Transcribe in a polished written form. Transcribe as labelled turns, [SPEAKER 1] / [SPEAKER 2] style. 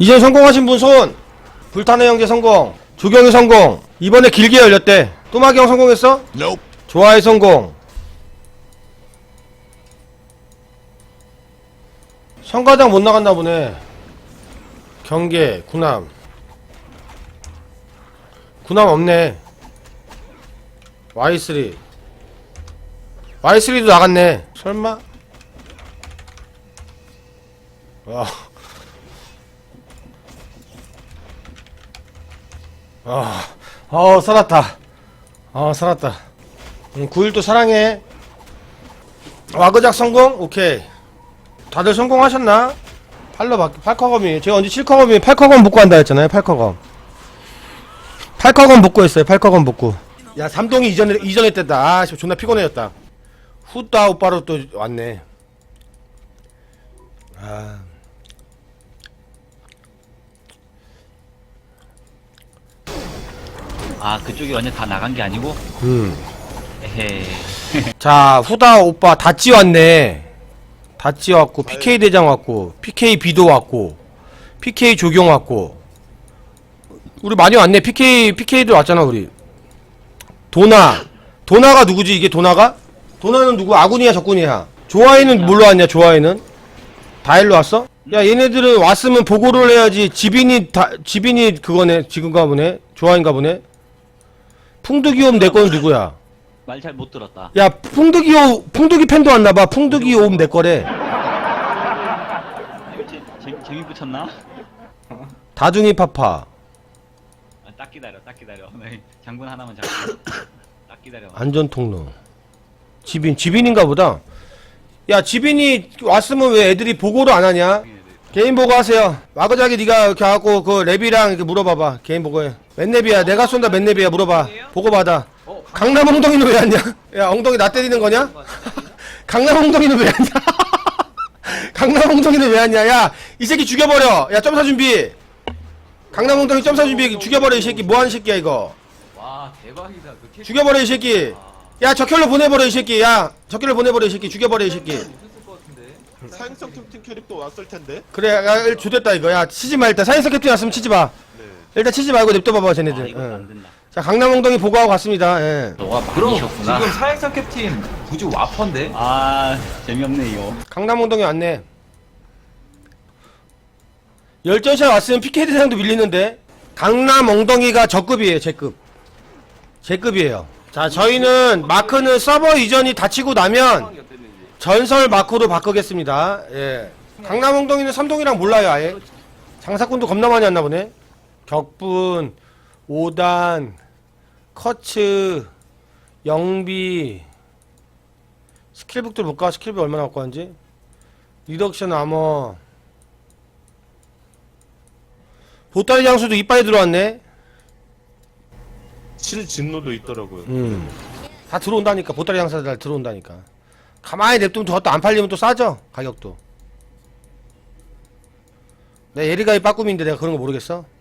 [SPEAKER 1] 이제 성공하신 분 손! 불타는 형제 성공, 조경이 성공. 이번에 길게 열렸대. 또마기 형 성공했어?
[SPEAKER 2] Nope.
[SPEAKER 1] 좋아해 성공. 성가장 못 나갔나 보네. 경계, 구남. 구남 없네. Y3. Y3도 나갔네. 설마? 와. 살았다. 살았다. 9일도 사랑해. 와그작 성공? 오케이. 다들 성공하셨나? 팔커검이. 제가 언제 7커검이 8커검 복구 한다 했잖아요. 8커검. 8커검 복구 했어요. 8커검 복구. 야, 삼동이 이전에 뗐다. 존나 피곤해졌다. 후따 오빠로 또 왔네.
[SPEAKER 3] 그쪽이 완전 다 나간 게 아니고? 에헤.
[SPEAKER 1] 자, 후다 오빠 다찌 왔네. 다찌 왔고, PK 대장 왔고, PK 비도 왔고, PK 조경 왔고. 우리 많이 왔네. PK도 왔잖아, 우리. 도나가 누구지, 이게 도나가? 도나는 누구? 아군이야, 적군이야? 조아이는 뭘로 왔냐, 조아이는? 다 일로 왔어? 야, 얘네들은 왔으면 보고를 해야지. 지빈이 그거네, 지금가 보네. 조아인가 보네. 풍득이옴 내 거는 누구야?
[SPEAKER 3] 말 잘 못 들었다.
[SPEAKER 1] 야, 풍득이 팬도 왔나봐. 풍득이 옴 내 거래.
[SPEAKER 3] 재미 붙였나?
[SPEAKER 1] 다둥이 파파.
[SPEAKER 3] 딱 기다려. 네, 장군 하나만 잡고. 딱 기다려.
[SPEAKER 1] 안전 통로. 지빈인가 보다. 야, 지빈이 왔으면 왜 애들이 보고를 안 하냐? 개인 보고 하세요. 와그자기 네가 이렇게 하고 그 랩이랑 이렇게 물어봐봐. 개인 보고해. 맨 랩이야. 내가 쏜다. 맨 랩이야. 물어봐. 보고 받아. 강남 엉덩이는 왜 왔냐? 야, 엉덩이 나 때리는 거냐? 강남 엉덩이는 왜 왔냐? 강남 엉덩이는 왜 왔냐? 야, 이 새끼 죽여버려. 야, 점사 준비. 강남 엉덩이 점사 준비. 죽여버려 이 새끼. 뭐하는 새끼야 이거.
[SPEAKER 3] 와, 대박이다.
[SPEAKER 1] 죽여버려 이 새끼. 야, 적혈로 보내버려 이 새끼. 야, 적혈로 보내버려 이 새끼. 죽여버려 이 새끼.
[SPEAKER 2] 사행성 캡틴 캐릭터 왔을 텐데.
[SPEAKER 1] 그래, 야, 조됐다 이거. 야, 치지 마 일단. 사이언스 캡틴 왔으면 치지 마.
[SPEAKER 2] 네.
[SPEAKER 1] 일단 치지 말고 냅둬봐봐 쟤네들.
[SPEAKER 3] 이거 안
[SPEAKER 1] 응.
[SPEAKER 3] 된다.
[SPEAKER 1] 자, 강남 엉덩이 보고하고 갔습니다. 예.
[SPEAKER 3] 너가
[SPEAKER 4] 그럼
[SPEAKER 3] 많이셨구나.
[SPEAKER 4] 지금 사행성 캡틴 굳이 와퍼인데?
[SPEAKER 3] 재미없네 이거.
[SPEAKER 1] 강남 엉덩이 왔네. 열전샷 왔으면 PK 대상도 밀리는데. 강남 엉덩이가 저급이에요. 제급이에요. 자, 저희는 마크는 서버 이전이 닫히고 나면 전설 마크로 바꾸겠습니다. 예. 강남 엉덩이는 삼동이랑 몰라요 아예. 장사꾼도 겁나 많이 왔나 보네. 격분, 5단, 커츠, 영비. 스킬북들 볼까? 스킬북 얼마나 갖고 왔는지. 리덕션 아머. 보따리 장수도 이빨에 들어왔네.
[SPEAKER 2] 진노도 있더라고요.
[SPEAKER 1] 다 들어온다니까. 보따리 장사들 다 들어온다니까. 가만히 냅두면 저것도 안 팔리면 또 싸죠. 가격도. 내 예리가이 빠꿈인데 내가 그런 거 모르겠어?